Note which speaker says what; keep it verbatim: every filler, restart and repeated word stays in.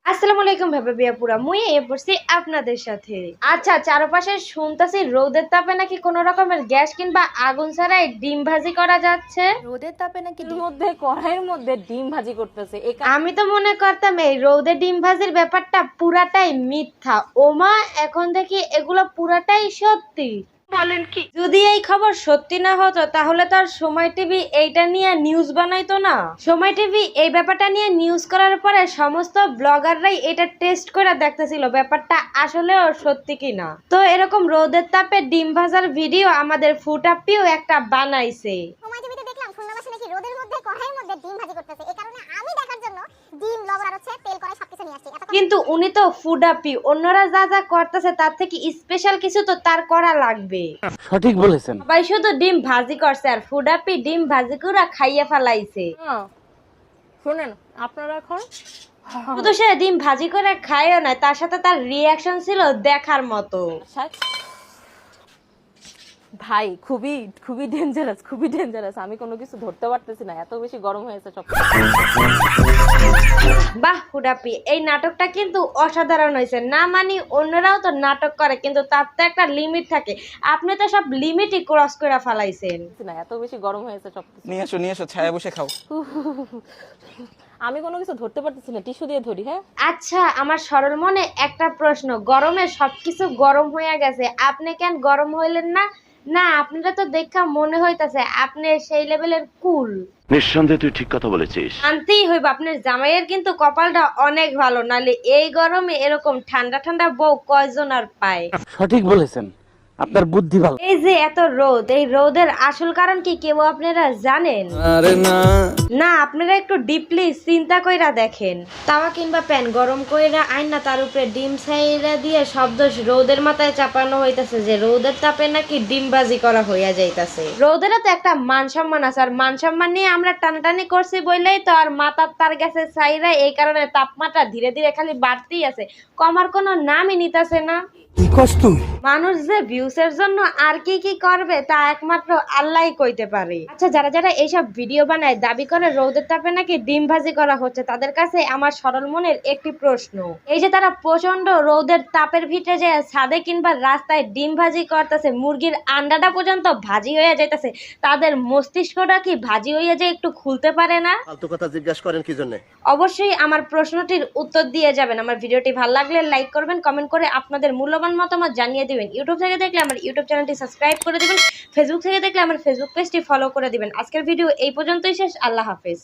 Speaker 1: আসসালামু আলাইকুম ভাবে বিয়াপুরা মুই এ পড়ছি আপনাদের সাথে। আচ্ছা, চারপাশে শুনতাছি রোদের তাপে নাকি কোন রকমের গ্যাস কিংবা আগুন ছাড়াই ডিম ভাজি করা যাচ্ছে।
Speaker 2: রোদের তাপে নাকি এর মধ্যে কড়াইয়ের মধ্যে ডিম ভাজি করতেছে।
Speaker 1: আমি তো মনে করতাম এই রোদে ডিম ভাজির ব্যাপারটা পুরাটাই মিথ্যা। ওমা, এখন দেখি এগুলো পুরাটাই সত্যি। বলেন কি? যদি এই খবর সত্যি না হতো তাহলে তো আর সময় টিভি এইটা নিয়ে নিউজ বানাইতো না। সময় টিভি এই ব্যাপারটা নিয়ে নিউজ করার পরে সমস্ত ব্লগাররাই এটা টেস্ট করে দেখতেছিল ব্যাপারটা আসলেও সত্যি কিনা। তো এরকম রোদের তাপে ডিম ভাজার ভিডিও আমাদের ফুটাপিও একটা বানাইছে।
Speaker 3: সময় টিভিতে দেখলাম খুলনাবাসী নাকি রোদের মধ্যে কড়াইয়ের মধ্যে ডিম ভাজি করতেছে। এই কারণে আমি দেখার জন্য ডিম, লবণ আর হচ্ছে তেল, কড়াই সবকিছু নিয়ে আসছি।
Speaker 1: কিন্তু উনি তো ফুডাপি, অন্যরা যা যা করতেছে তার থেকে স্পেশাল কিছু তো তার করা লাগবে।
Speaker 4: সঠিক বলেছেন।
Speaker 1: ভাই শুধু ডিম ভাজি করছে আর ফুডাপি ডিম ভাজি করে খাইয়া ফেলাইছে।
Speaker 2: শুনেন আপনারা এখন
Speaker 1: শুধু সে ডিম ভাজি করে খায়ও না, তার সাথে তার রিয়াকশন ছিল দেখার মতো।
Speaker 2: ভাই খুবই খুবই ডেঞ্জারাস, খুবই ডেঞ্জারাস। আমি কোনো কিছু ধরতে পারতেছি না, এত বেশি গরম হয়েছে সব।
Speaker 1: বাহ ফুডাপি, এই নাটকটা কিন্তু অসাধারণ হয়েছে। না মানি অন্যরাও তো নাটক করে, কিন্তু তার তো একটা লিমিট থাকে। আপনি তো সব লিমিটই ক্রস করে ফেলাইছেন।
Speaker 2: না, এত বেশি গরম হয়েছে সব।
Speaker 4: নিয়ে এসো নিয়ে এসো, ছায়া বসে খাও।
Speaker 2: আমি কোনো কিছু ধরতে পারতেছি না, টিস্যু দিয়ে ধরি। হ্যাঁ
Speaker 1: আচ্ছা, আমার সরল মনে একটা প্রশ্ন, গরমে সবকিছু গরম হয়ে গেছে, আপনি কেন গরম হইলেন না? না, আপনারা তো দেখা মনে হইতাছে আপনি সেই লেভেলের কুল।
Speaker 5: নিঃসন্দেহে তুই ঠিক কথা বলেছিস।
Speaker 1: শান্তিই হইব, আপনার জামাইয়ের কিন্তু কপালটা অনেক ভালো, নালে এই গরমে এরকম ঠান্ডা ঠান্ডা বউ কয়জন আর পায়।
Speaker 4: সঠিক বলেছেন, আপনার বুদ্ধি ভালো।
Speaker 1: এই যে এত রোদ, এই রোদের আসল কারণ কি কেউ আপনারা জানেন?
Speaker 4: আরে না
Speaker 1: না, আপনারা একটু ডিপলি চিন্তা কইরা দেখেন। তাওয়া কিংবা প্যান গরম কইরা আইন না তার উপরে ডিম ছাইরা দিয়ে শব্দ রোদের মাথায় চাপানো হইতাছে যে রোদের তাপে নাকি ডিম বাজি করা হইয়া যাইতাছে। রোদেরও তো একটা মান সম্মান আছে, আর মান সম্মান নিয়ে আমরা টানাটানি করছি বললেই তো আর মাথার তার গেছে ছাইরা, এই কারণে তাপমাত্রা ধীরে ধীরে খালি বাড়তেই আছে, কমার কোনো নামই নিতাছে না।
Speaker 4: কি কষ্ট
Speaker 1: মানুষ যে ভিউসের জন্য আর কি কি করবে তা একমাত্র আল্লাহই কইতে পারে। আচ্ছা, যারা যারা এইসব ভিডিও বানায় দাবি করে রোদের তাপে নাকি ডিম ভাজি করা হচ্ছে, তাদের কাছে আমার সরল মনের একটি প্রশ্ন, এই যে তারা প্রচন্ড রোদের তাপের ভিতরে যে ছাদে কিংবা রাস্তায় ডিম ভাজি করতেছে, মুরগির আন্ডাটা পর্যন্ত ভাজি হয়ে যাইতেছে, তাদের মস্তিষ্কটা কি ভাজি হয়ে যায় একটু খুলতে পারে না?
Speaker 6: ফালতু কথা জিজ্ঞাসা করেন কি জন্য?
Speaker 1: অবশ্যই আমার প্রশ্নটির উত্তর দিয়ে যাবেন। আমার ভিডিওটি ভালো লাগলে লাইক করবেন, কমেন্ট করে আপনাদের মূল্যবান মতামত জানিয়ে দিবেন। ইউটিউব থেকে দেখলে আমার ইউটিউব চ্যানেলটি সাবস্ক্রাইব করে দিবেন, ফেসবুক থেকে দেখলে আমার ফেসবুক পেজটি ফলো করে দিবেন। আজকের ভিডিও এই পর্যন্তই শেষ। আল্লাহ হাফেজ।